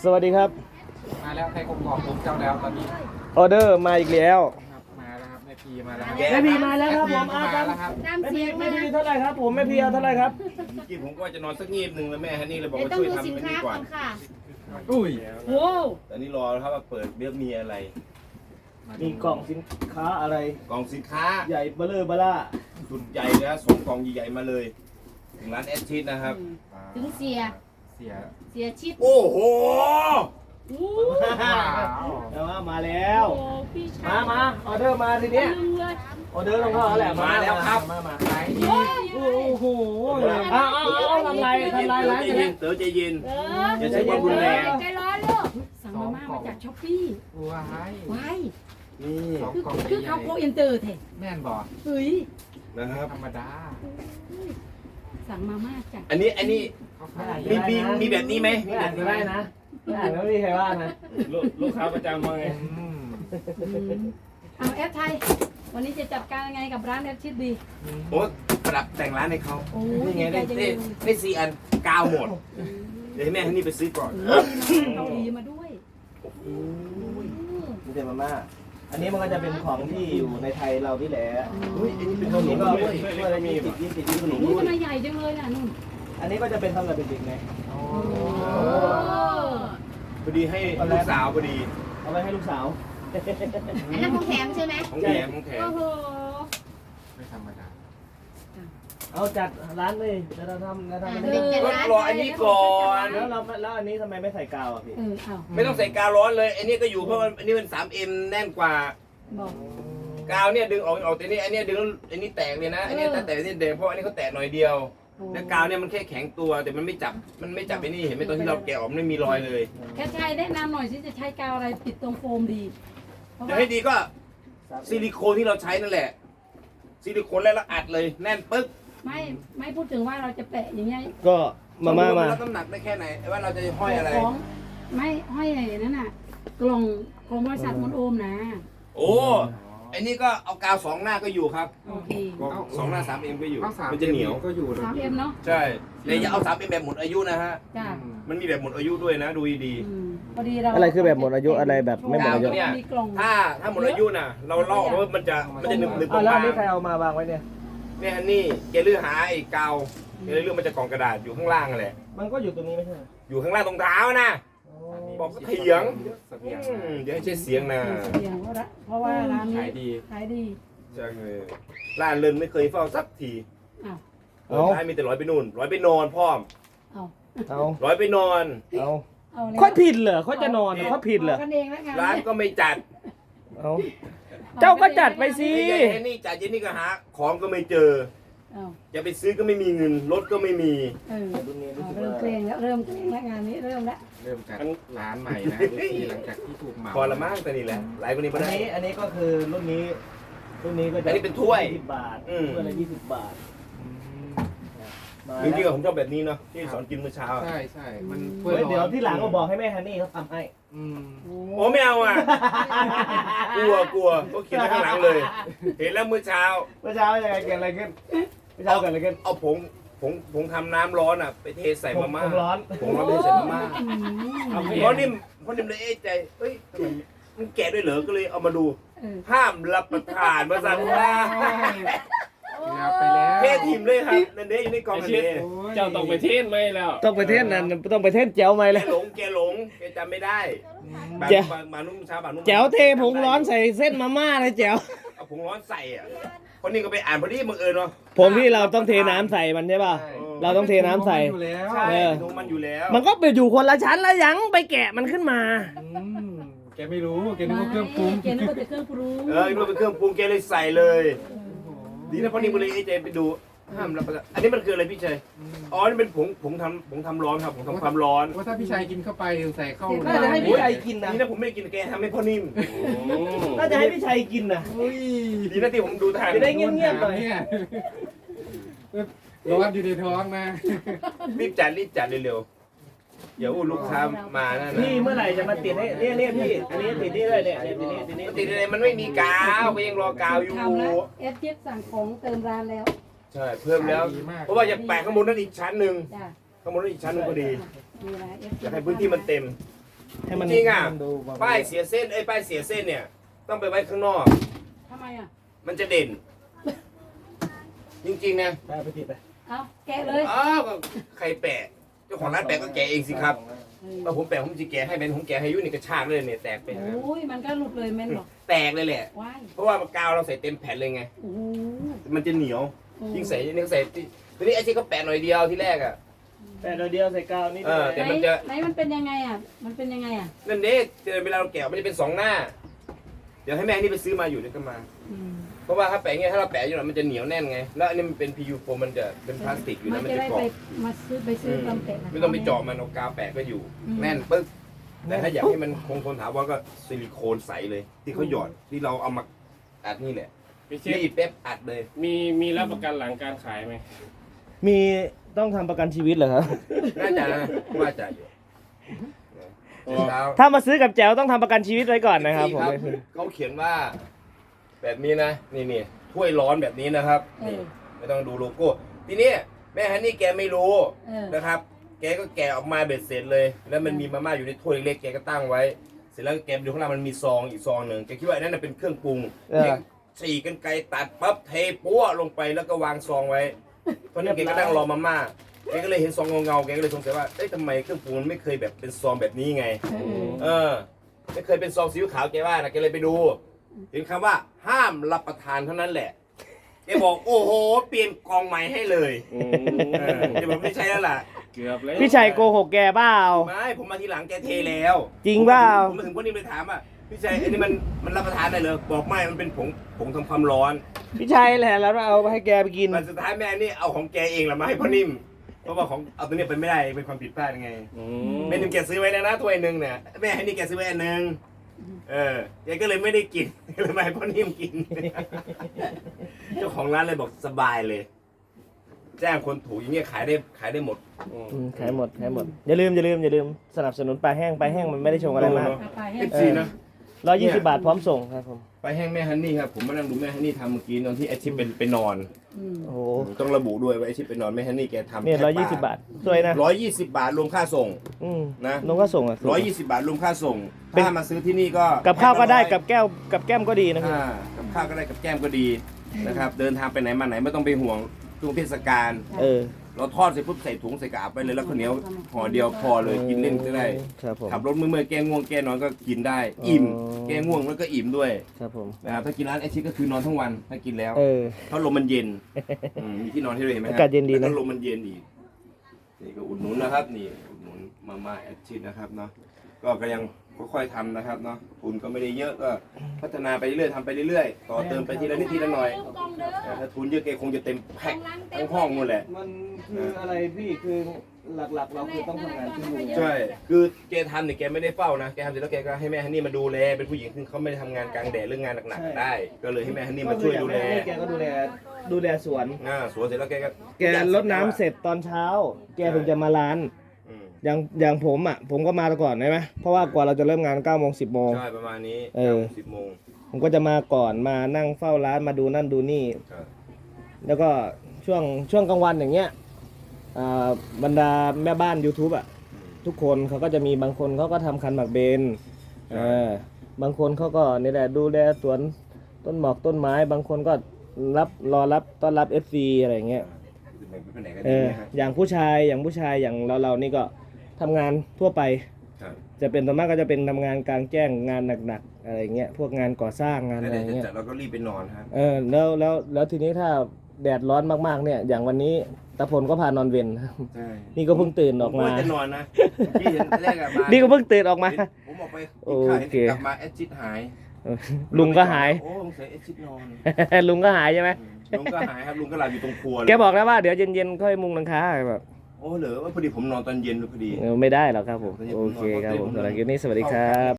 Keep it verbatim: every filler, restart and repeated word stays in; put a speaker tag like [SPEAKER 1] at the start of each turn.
[SPEAKER 1] สวัสดีครับ
[SPEAKER 2] มาแล้วใครกบกอกผมเจ้าแล้วตอนนี้
[SPEAKER 1] ออเดอร์มาอีกแล้ว
[SPEAKER 2] มาแล้วครับแม่พีมาแล้ว
[SPEAKER 1] แม่พีมาแล้วครับผมอาครับ
[SPEAKER 3] ตามเสียง
[SPEAKER 1] แม่
[SPEAKER 3] มา
[SPEAKER 1] พีเท่าไหร่ครับผมแม่พีเอาเท่าไหร่ครับ
[SPEAKER 4] กี้ผมก็จะนอนสักงีบหนึ่งแล้วแม่ฮันนี่เลยบอกว่าช่วยทำให้ดีกว่า
[SPEAKER 2] อุ้ย
[SPEAKER 3] โอ้
[SPEAKER 4] แต่นี่รอครับว่าเปิดเบี้ยมีอะไร
[SPEAKER 1] มีกล่องสินค้าอะไร
[SPEAKER 4] กล่องสินค้า
[SPEAKER 1] ใหญ่เบลอเบล่า
[SPEAKER 4] สุดใหญ่นะสองกล่องใหญ่ๆมาเลยถึงร้านแอดชิดนะครับ
[SPEAKER 3] ถึงเสีย
[SPEAKER 2] เสีย
[SPEAKER 3] เสียชิด
[SPEAKER 4] โอ้โห
[SPEAKER 1] เอามามาแล้วมามาออเดอร์มาทีเนี้ยออเดอร์ต้องเข้าแล้วแหละมาแล้วครับมามาไหนโอ้โหเอาเอาเอาทำไรทำไรร้านจะเนี่ย
[SPEAKER 4] เต๋อใจเย็น
[SPEAKER 3] เออ
[SPEAKER 4] อย่าใช้ความรุนแรง
[SPEAKER 3] ใจร้อนลูกสั่งมาม่ามาจากช้อปปี้
[SPEAKER 2] ว้าย
[SPEAKER 3] ว้าย
[SPEAKER 4] นี่
[SPEAKER 2] สองกล่อง
[SPEAKER 3] คือเขาโคอินเตอร์เถอะ
[SPEAKER 2] แม่นบอก
[SPEAKER 3] เฮ้ย
[SPEAKER 4] นะครับ
[SPEAKER 2] ธรรมดา
[SPEAKER 3] สั่งมาม่าจาก
[SPEAKER 4] อันนี้อันนี้
[SPEAKER 2] เขาขาย
[SPEAKER 4] มีมีมีแบบนี้ไหม
[SPEAKER 1] ไม่อ่านก็ได้นะไม่อ่านก็ไม่มีใครว่านะ
[SPEAKER 4] ลูกค้าประจำมาไง
[SPEAKER 3] เอาแอปไทยวันนี้จะจัดการยังไงกับร้านแอปชิดดี
[SPEAKER 4] โอ้ปรับแต่งร้านให้เขา
[SPEAKER 3] โอ้
[SPEAKER 4] นี่ไง
[SPEAKER 3] ใจ
[SPEAKER 4] ได้
[SPEAKER 3] จะ
[SPEAKER 4] ได้ได้สี่อันกาวหมดเดี๋ยวให้แม่ฮันนี่ไปซื้อก่อน
[SPEAKER 3] เกาหลีมาด้วย
[SPEAKER 1] มีแต่มาม่าอันนี้มันก็จะเป็นของที่อยู่ในไทยเราที่แหละ
[SPEAKER 4] อุ้ยอันนี้เป็น
[SPEAKER 1] ข
[SPEAKER 4] ข
[SPEAKER 1] น
[SPEAKER 4] น
[SPEAKER 1] ม
[SPEAKER 4] ม
[SPEAKER 1] ก็
[SPEAKER 4] ด้วย
[SPEAKER 1] ช่วยอะไรมีติดยิ่งติดยิ่งขนม
[SPEAKER 3] นี่ทำไมใหญ่จังเลยน่ะนุ่น
[SPEAKER 1] อันนี้ก็จะเป็นสำหรับเด็กๆไง
[SPEAKER 4] พอดีให้ลูกสาวพอดี
[SPEAKER 1] เอาไว้ให้ลูกสาว
[SPEAKER 3] อันนั้นของแถมใช่ไหม
[SPEAKER 4] ของแถมของแถม
[SPEAKER 3] โอ้โห
[SPEAKER 2] ไม่ธรรมดา
[SPEAKER 1] เอาจัดร้านเลยแล้วเราทำแล้วทำอัน
[SPEAKER 3] เอ
[SPEAKER 1] นี้
[SPEAKER 3] อ
[SPEAKER 4] ก็รออันนี้ก่อน
[SPEAKER 1] แล้วเราแล้วอันนี้ทำไมไม่ใส่กาวอ่ะพี่
[SPEAKER 3] เออเอา
[SPEAKER 4] ไม่ต้องใส่กาวร้อนเลยอันนี้ก็อยู่เพราะว่าอันนี้มัน สามเอ็ม แน่นกว่า
[SPEAKER 3] บอก
[SPEAKER 4] กาวเนี่ยดึงออกออกแต่นี่อันนี้ดึงอันนี้แตกเลยนะอันนี้แต่แต่นี่เดงเพราะอันนี้เขาแตกหน่อยเดียวแล้วกาวเนี่ยมันแค่แข็งตัวแต่มันไม่จับมันไม่จับไอ้นี่เห็นไหมตอนที่เราแกะออกมันไม่มีรอยเลย
[SPEAKER 3] แค่ใช้แนะนำหน่อยสิจะใช้กาวอะไรปิดตรงโฟมดีเพราะ
[SPEAKER 4] จะ
[SPEAKER 3] ว่า
[SPEAKER 4] ให้ดีก็ซิลิโคนที่เราใช้นั่นแหละซิลิโคนแล้วเราอัดเลยแน่นปึ๊ก
[SPEAKER 3] ไม่ไม่พูดถึงว่าเราจะแปะอย่างเงี้ย
[SPEAKER 1] ก็มาม่ามา
[SPEAKER 4] รับน้ำหนักได้แค่ไหนว่าเราจะห้อยอะไร
[SPEAKER 3] ของไม่ห้อยอะไรนั่นน่ะ กล่องของบริษัทมนโอมนะ
[SPEAKER 4] โอ้อันนี้ก็เอากาวสองหน้าก็อยู่ครับ
[SPEAKER 3] โอเค
[SPEAKER 4] สองหน้า สามเอ็ม ก็อยู่
[SPEAKER 2] ข้าวสาร
[SPEAKER 4] มันจะเหนียว
[SPEAKER 2] ก็อยู่
[SPEAKER 3] สามเอ็มเนาะ
[SPEAKER 4] ใช่แต่อย่าเอา สามเอ็ม แบบหมดอายุนะฮะ
[SPEAKER 3] จ้า
[SPEAKER 4] มันมีแบบหมดอายุด้วยนะดูดี
[SPEAKER 3] อืมพอดีเรา
[SPEAKER 1] อะไรคือแบบหมดอายุอะไรแบบไม่หมดอายุ
[SPEAKER 3] มีกล่อง
[SPEAKER 4] ๆถ้าถ้าหมดอายุน่ะ เราลอกเพราะว่ามันจะมันจะหนึบหนึบ
[SPEAKER 1] อ่ะแล้ว
[SPEAKER 4] บา
[SPEAKER 1] อัน
[SPEAKER 4] ง
[SPEAKER 1] นี้ใครเอามาวางไว้เนี่ย
[SPEAKER 4] ๆเนี่ยฮันนี่แกเลือกหาไอ้กาวแกเลยเลือกมันจะกล่องกระดาษอยู่ข้างล่างนั่นแหละ
[SPEAKER 1] มันก็อยู่ตรงนี้ไม่ใช่
[SPEAKER 4] อยู่ข้างล่างตรงเท้านะบอกก็เถียง
[SPEAKER 2] เสบียง
[SPEAKER 4] อืมเดี๋ยวให้ใช้เสียงนะ
[SPEAKER 3] เสียงเพราะละเพราะว่าร้านนี้
[SPEAKER 2] ขายดี
[SPEAKER 3] ขายดี
[SPEAKER 4] ใช่เลยร้านเลินไม่เคยเฝ้าสักที
[SPEAKER 3] อ้าว
[SPEAKER 4] เปิดร้านมีแต่ร้อยไปนู่นร้อยไปนอนพร้อม
[SPEAKER 3] เอา
[SPEAKER 1] เอา
[SPEAKER 4] ร้อยไปนอน
[SPEAKER 1] เอา
[SPEAKER 3] เอาเลย
[SPEAKER 1] ค่อยผิดเหรอค่อยจะนอนค่อยผิดเหรอ
[SPEAKER 3] ากันเองแล้วกัน
[SPEAKER 4] ร้านก็ไม่จัด
[SPEAKER 1] เอาเจ้าก็จัดไปสิ
[SPEAKER 4] ไอ้เจนี่จัดเจนี่ก็หาของก็ไม่เจอ
[SPEAKER 3] เอา
[SPEAKER 4] จะไปซื้อก็ไม่มีเงินรถก็ไม่มี
[SPEAKER 3] เออ
[SPEAKER 1] รุ่นนี้รู้
[SPEAKER 3] เอา
[SPEAKER 1] สึก
[SPEAKER 3] เริ่ม
[SPEAKER 1] ว่า
[SPEAKER 3] เกรงแล้วเริ่มเกรงแล้วงานนี้เริ่มแล้ว
[SPEAKER 2] เริ่มจากร้านใหม่นะที่หลังจากที่ถูกเหมา
[SPEAKER 4] พอละมั้งแต่นี่แหละหลายคนนี้
[SPEAKER 1] อั
[SPEAKER 4] ไม่
[SPEAKER 1] น
[SPEAKER 4] ได้
[SPEAKER 1] นี้อันนี้ก็คือรุ่นนี้รุ่นนี้ก็จะ
[SPEAKER 4] อันนี้เป็นถ้วย
[SPEAKER 1] ยี่สิบบาท
[SPEAKER 4] อืม
[SPEAKER 1] ถ้วยละยี่สิบบาท
[SPEAKER 2] อืม
[SPEAKER 1] มา
[SPEAKER 4] จริงๆ
[SPEAKER 1] แล้ว
[SPEAKER 4] ผมชอบแบบนี้เนาะที่สอนกินเมื่อเช้าอะ
[SPEAKER 2] ใช่ใช่มัน
[SPEAKER 1] เฮ้ยเดี๋ยวที่หลังก็บอกให้แม่ฮันนี่เขาทำให้
[SPEAKER 2] อืม
[SPEAKER 4] โอ้ไม่เอาอ่ะกลัวกลัวก็เขียนไว้ข้างหลังเลย เห็นแล้วเมื่อเช้า
[SPEAKER 1] เมื่อเช้ายังไงเกิดอะไรขึ้นเมื่อเช้าเกิดอะไรขึ้น
[SPEAKER 4] เอาผงผงผงทำน้ำร้อนอ่ะ ไปเทใส่มาม่า
[SPEAKER 1] ผมร้อน
[SPEAKER 4] ผงร้อนไปใส่มาม่า
[SPEAKER 3] อืม
[SPEAKER 1] เอาไป
[SPEAKER 4] เพราะนิ่มเพราะนิ่มเลยเอ๊ะใจเฮ้ยทำไมมันแกะด้วยเหรอก็เลยเอามาดู
[SPEAKER 3] เออ
[SPEAKER 4] ห้ามรับประทานมาสั่งว่า
[SPEAKER 2] อยาไปแล้ว
[SPEAKER 4] เททีมเลยครับนั่นเด้อยู่ในกล่องนั่นเด้
[SPEAKER 5] เจ้าต้องไปเทศไหมแล้ว
[SPEAKER 1] ต้องไปเทศนั้นต้องไปเทศแจ๋วไหม
[SPEAKER 4] แก
[SPEAKER 1] เลย
[SPEAKER 4] หลงแกหลงแกจำไม่ได้บาง
[SPEAKER 1] แจ๋ว
[SPEAKER 4] บางบางนุ่มเช้าบางนุ่ม
[SPEAKER 1] แจ๋วเทผงร้อนใส่เส้นมาม่าเลยแจ๋ว
[SPEAKER 4] เอาผงร้อนใส่อ่ะคนนี้ก็ไปอ่านพอดีบังเอิญเนาะ
[SPEAKER 1] ผมที่เราต้องเทน้ำใส่มันใช่ป่ะ เราต้องเทน้ำใส่
[SPEAKER 2] อยู่แล้ว
[SPEAKER 4] ใช่
[SPEAKER 1] เออ
[SPEAKER 4] ดูมันอยู่แล้ว
[SPEAKER 1] มันก็ไปอยู่คนละชั้นแล้วยังไปแกะมันขึ้นมา
[SPEAKER 2] อืมแกไม่รู้แกนึกว่าเครื่องปรุง
[SPEAKER 3] เกนึกว่าแต่เครื่องปรุง
[SPEAKER 4] เออมันเป็นเครื่องปรุงแกเลยใส่เลย ดีนะพอนิ่มก็เลยเอ๊ะใจไปดูห้ามรับประทานอันนี้มันคืออะไรพี่ชัยอ๋อนี่เป็นผงผงทำผงทำร้อนครับผงทำความร้อน
[SPEAKER 2] ว่าถ้าพี่ชายกินเข้าไปใส่เข้า
[SPEAKER 1] น่าจะให้พี่ชัยกินนะ
[SPEAKER 4] นี่นะผมไม่ได้กินแกทำให้พ่อนิ่ม
[SPEAKER 1] น่าจะให้พี่ชัยกินนะ
[SPEAKER 2] อุ้ย
[SPEAKER 4] ดีนะที่ผมดูทัน
[SPEAKER 1] จะได้ เงียบๆหน่อย
[SPEAKER 2] เนี่ยร้อนอยู่ในท้องนะ
[SPEAKER 4] รีบจัดรีบจัดเร็วๆอย่าอู้ลูกค้ามานั่นนะ
[SPEAKER 1] พี่เมื่อไหร่จะมาติดให้เนี่ยเนี่ยพี่ อันนี้ติดนี่เลยเนี่ยเนี่ยติดนี่ติดนี่
[SPEAKER 4] ติดอะไรมันไม่มีกาวก็ยังรอกาวอยู่
[SPEAKER 3] ทำแล้วเอฟเจ็ดสั่งของเติมร้านแล้ว
[SPEAKER 4] ใช่เพิ่มแล้ว เพราะว่าอยากแปะข้างบนนั่นอีกชั้นหนึ่ง
[SPEAKER 3] จ้า
[SPEAKER 4] ข้างบนนั่นอีกชั้นหนึงพอดี
[SPEAKER 3] มีอะไรเอฟ
[SPEAKER 4] อยากให้พื้นที่มันเต็ม
[SPEAKER 1] ให้มัน
[SPEAKER 4] จริงอ่ะ
[SPEAKER 1] ให้มันดูแบบ
[SPEAKER 4] ป้ายเสียเส้นไอ้ยป้ายเสียเส้นเนี่ย ต้องไปไว้ข้างนอก
[SPEAKER 3] ทำไมอ่ะ
[SPEAKER 4] มันจะเด่น จริงๆนะ
[SPEAKER 1] ไปไปติดไป
[SPEAKER 3] เอาแกะเลย
[SPEAKER 4] อ้าวก็ใครแปะเจ้าของร้านแปะก็แกะเองสิครับ
[SPEAKER 3] เออ
[SPEAKER 4] ถ้าผมแปะผมจะแกะให้เป็นผมแกะให้อยุ่นี่กระชากเลยเนี่ยแตกไป
[SPEAKER 3] โอ้ยมันก็หลุดเลยแม่นหรอ
[SPEAKER 4] แตกเลยแหละ
[SPEAKER 3] ว้าย
[SPEAKER 4] เพราะว่ากาวเราใส่เต็มแผ่นเลยไง
[SPEAKER 3] โอ้โห
[SPEAKER 4] มันจะเหนียว
[SPEAKER 3] โอ้
[SPEAKER 4] ยิ่งใส่ยิ่งใส่ทีนี้ไอ้ที่เขาแปะหน่อยเดียวที่แรกอ่ะ
[SPEAKER 1] แปะเดียวใส่กาวนี่
[SPEAKER 4] เออ
[SPEAKER 1] ได้
[SPEAKER 4] แต่
[SPEAKER 3] ไหน
[SPEAKER 4] มันจะ
[SPEAKER 3] ไหนมันเป็นยังไงอ่ะ มันเป็นยังไงอ่ะ
[SPEAKER 4] นั่นเด้เจอเวลาเราแกะมันจะเป็นสองหน้า เดี๋ยวให้แม่นี่ไปซื้อมาอยู่เดี๋ยวก็มา
[SPEAKER 3] อืม
[SPEAKER 4] เพราะว่าถ้าแปะอย่างเงี้ยถ้าเราแปะอยู่หน่อยมันจะเหนียวแน่นไง แล้วอันนี้มันเป็น พี ยู โฟมมันจะเป็นพลาสติกอยู่
[SPEAKER 3] มั
[SPEAKER 4] นะ
[SPEAKER 3] น
[SPEAKER 4] มัน
[SPEAKER 3] จะ
[SPEAKER 4] จะ
[SPEAKER 3] ได้
[SPEAKER 4] เกาะ
[SPEAKER 3] ไปมาซื้อไปซื้อตำแตะนะคะ
[SPEAKER 4] ไม่ต้องไปเจาะมันเอากาวแปะก็อยู่ แน่นปึ๊กแต่ถ้าอยากให้มันคงทนถาวรก็ซิลิโคนใสเลย ที่เขาหยอดที่เราเอามาอัดนี่แหละ
[SPEAKER 5] พี่เช
[SPEAKER 4] นี่
[SPEAKER 5] ฟ
[SPEAKER 4] เป๊ปอัดเลย
[SPEAKER 5] มีมีรับประกันหลังการขายไหม
[SPEAKER 1] มีต้องทำประกันชีวิตเหรอครับ
[SPEAKER 4] น่าจะนะว่าจะอยู่เช้า
[SPEAKER 1] ถ้ามาซื้อกับแจ๋วต้องทำประกันชีวิตไว้ก่อนนะครับผม
[SPEAKER 4] เขาเขียนว่า แบบนี้นะนี่นี่ถ้วยร้อนแบบนี้นะครับ
[SPEAKER 3] เอ
[SPEAKER 4] นี่
[SPEAKER 3] อ
[SPEAKER 4] ไม่ต้องดูโลโก้ทีนี้แม่ฮันนี่แกไม่รู้
[SPEAKER 3] เออ
[SPEAKER 4] นะครับ แกก็แกะออกมาเบ็ดเสร็จเลย แล้วมันมีมาม่าอยู่ในถ้วยเล็กๆแกก็ตั้งไว้ เสร็จแล้วแกดูข้างล่างมันมีซองอีกซองหนึ่งแกคิดว่าอันนั้นนะเป็นเครื่องปรุง
[SPEAKER 1] เออ
[SPEAKER 4] แกฉีกกันไกลตัดปั๊บเทปั้วลงไปแล้วก็วางซองไว้เพราะนั้นแกก็นั่งรอมาม่าแกก็เลยเห็นซองเงาๆแกก็เลยสงสัยว่าเอ้ยทำไมเครื่องปรุงมันไม่เคยแบบเป็นซองแบบนี้ไง
[SPEAKER 3] เออ
[SPEAKER 4] เออไม่เคยเป็นซองสีขาวแกว่านะแกเลยไปดูเห็นคำว่าห้ามรับประทานเท่านั้นแหละแกบอกโอ้โหเปลี่ยนกล่องใหม่ให้เลย
[SPEAKER 5] อื
[SPEAKER 4] เออแกบอกไม่ใช่แล้วล่ะ
[SPEAKER 5] เกือบแล้ว
[SPEAKER 1] พี่ชัยโกหกแกเปล่า
[SPEAKER 4] ไม่ผมมาทีหลังแกเทแล้ว
[SPEAKER 1] จริงเปล่า
[SPEAKER 4] ผมมาถึงพวกนี้ไปถามอ่ะพี่ชัยอันนี้มันมันรับประทานได้เลยบอกไม่มันเป็นผงผงทำความร้อน
[SPEAKER 1] พี่ชัยแหละแล้วเอาไปให้แกไปกิน
[SPEAKER 4] มันสุดท้ายแม่นี่เอาของแกเองละมาให้พ่อนิ่มเพราะว่าของเอาตัวเนี้ยเป็นไม่ได้เป็นความผิดพลาดยังไง
[SPEAKER 5] อื
[SPEAKER 4] แม่นิ่มแกซื้อไว้แล้วนะถ้วยหนึ่งเนี่ยแม่ให้นี่แกซื้อไว้อันหนึ่งเออแกก็เลยไม่ได้กิน เลยมาให้พ่อนิ่มกิน เจ้าของร้านเลยบอกสบายเลย แจ้งคนถูกอย่างเงี้ยขายได้ขายได้หมด
[SPEAKER 5] อืม
[SPEAKER 1] อืมขายหมดขายหมด อย่าลืมอย่าลืมอย่าลืมสนับสนุนปลาแห้งปลาแห้งมันไม่ได้ชงอะไรมาก
[SPEAKER 3] เอาไปให้
[SPEAKER 4] เอฟซีนะ
[SPEAKER 1] ร้อยยี่สิบบาทพร้อมส่งครับผม
[SPEAKER 4] ไปแห้งแม่ฮันนี่ครับผมมานั่งดูแม่ฮันนี่ทำเมื่อกี้ตอนที่ไอชิปเป็นไปนอน
[SPEAKER 3] อืม
[SPEAKER 1] โอ้โห
[SPEAKER 4] ต้องระบุด้วยว่าไอชิปไปนอนแม่ฮันนี่แกทำ
[SPEAKER 1] เนี่ยร้อยยี่สิบบาทสวยนะ
[SPEAKER 4] ร้อยยี่สิบบาทรวมค่าส่ง
[SPEAKER 1] อืม
[SPEAKER 4] นะ
[SPEAKER 1] น้องก็ส่งอ่ะ
[SPEAKER 4] ร้อยยี่สิบบาทรวมค่าส่ง
[SPEAKER 1] เป็น
[SPEAKER 4] ถ้ามาซื้อที่นี่ก็
[SPEAKER 1] กับข้าวก็ได้กับแก้วกับแก้มก็ดีนะครับ
[SPEAKER 4] อ่ากับข้าวก็ได้กับแก้มก็ดีนะครับ เดินทางไปไหนมาไหนไม่ต้องไปห่วงช่วงเทศกาล
[SPEAKER 1] เออ
[SPEAKER 4] เราทอดเสร็จปุ๊บใส่ถุงใส่กระอับไปเลยแล้วข้าวเหนียวห่อเดียวพอเลยกินเล่นก็ได้
[SPEAKER 1] ครับผม
[SPEAKER 4] ขับรถเมื่อยๆแก้ง่วงแก้นอนก็กินได้ อิ่ม
[SPEAKER 1] อ๋อ
[SPEAKER 4] แก้ง่วงแล้วก็อิ่มด้วย
[SPEAKER 1] ครับผม
[SPEAKER 4] นะครับถ้ากินร้านไอชิก็คือนอนทั้งวันถ้ากินแล้ว
[SPEAKER 1] เออ
[SPEAKER 4] เพราะลมมันเย็นอืมมีที่นอนให้ด้วยเห็นไหมครั
[SPEAKER 1] อากาศเย็นดีนะ
[SPEAKER 4] แล้วก็ลมมันเย็นอีกนี่ก็อุดหนุนนะครับ นี่อุดหนุนมาม่าแอดชิดนะครับเนาะก็ก็ยังค่อยๆทำนะครับเนาะทุนก็ไม่ได้เยอะก็พัฒนาไปเรื่อยๆทำไปเรื่อยๆต่อเติมไปทีละนิดทีละหน่อยแต่ถ้าทุนเยอะแกคงจะเต็มแพ็คทั้งห้องนู่นแหละ
[SPEAKER 1] มันคืออะไรพี่คือหลักๆ เราคือต้องทำงานที่มือ
[SPEAKER 4] ใช่ คือแกทำเนี่ยแกไม่ได้เฝ้านะ แกทำเสร็จแล้วแกก็ให้แม่ฮันนี่มาดูแล เป็นผู้หญิงซึ่งเขาไม่ได้ทำงานกลางแดดเรื่องงานหนักๆได้ ก็เลยให้แม่ฮันนี่มาช่วยดูแล
[SPEAKER 1] แกก็ดูแลดูแลสวน
[SPEAKER 4] อ่าสวนเสร็จแล้วแกก็
[SPEAKER 1] แกรดน้ำเสร็จตอนเช้า แกถึงจะมาร้าน
[SPEAKER 4] อืม
[SPEAKER 1] อย่างอย่างผมอ่ะ ผมก็มาก่อนใช่ไหมเพราะว่ากว่าเราจะเริ่มงานเก้าโมงสิบโมง
[SPEAKER 4] ใช่ประมาณนี้
[SPEAKER 1] เออ
[SPEAKER 4] สิบโมง
[SPEAKER 1] ผมก็จะมาก่อนมานั่งเฝ้าร้านมาดูนั่นดูนี่
[SPEAKER 4] ครับ
[SPEAKER 1] แล้วก็ช่วงช่วงกลางวันอย่างเงี้ยอ่าบรรดาแม่บ้าน YouTube อ่ะ ทุกคนเขาก็จะมีบางคนเขาก็ทำคันหมากเบนเออบางคนเขาก็นี่แหละดูแลสวนต้นหมอกต้นไม้ บางคนก็รับรอรับต้อนรับ เอฟ ซี อะไรอย่างเงี้ย
[SPEAKER 4] ไปไหนกัน
[SPEAKER 1] เอ
[SPEAKER 4] ดี
[SPEAKER 1] อ
[SPEAKER 4] นะฮะ
[SPEAKER 1] อย่างผู้ชายอย่างผู้ชายอย่างเราเรานี่ก็ทำงานทั่วไป
[SPEAKER 4] ครับ
[SPEAKER 1] จะเป็นส่วนมากก็จะเป็นทำงานกลางแจ้งงานหนักๆอะไรเงี้ยพวกงานก่อสร้างงาน
[SPEAKER 4] แล้ว
[SPEAKER 1] อะไร
[SPEAKER 4] เดี๋ยว
[SPEAKER 1] เงี้ย
[SPEAKER 4] จะเราก็รีบไปนอนครับ
[SPEAKER 1] เออแล้วแล้วแล้วทีนี้ถ้าแดดร้อนมากๆเนี่ย อย่างวันนี้ตะพลก็พานอนเวน
[SPEAKER 4] ใช่
[SPEAKER 1] นี่ก็เพิ่งตื่นออกมา
[SPEAKER 4] ผจะนอนนะพี่เห็นแรกอะมา
[SPEAKER 1] นี่ก็เพิ่งตื่นออกมา
[SPEAKER 4] ผมออกไป
[SPEAKER 1] โอ
[SPEAKER 4] กินข้าว
[SPEAKER 1] เค
[SPEAKER 4] กลับมาแอดชิดหาย
[SPEAKER 1] ลุงก็หาย
[SPEAKER 4] โอ้สงสัยแอดชิดนอน
[SPEAKER 1] ลุงก็หายใช่ไหม
[SPEAKER 4] ลุงก็หายครับลุงก็หลับอยู่ตรงครัวเลย
[SPEAKER 1] แกบอกแล้วว่าเดี๋ยวเย็นๆค่อยมุงหลังคาแบบ
[SPEAKER 4] โอ้เหรอว่าพอดีผมนอนตอนเย็นพอดี
[SPEAKER 1] เออไม่ได้หรอกครับผมโอเคครับผมสำหรับคลิปนี้สวัสดีครับ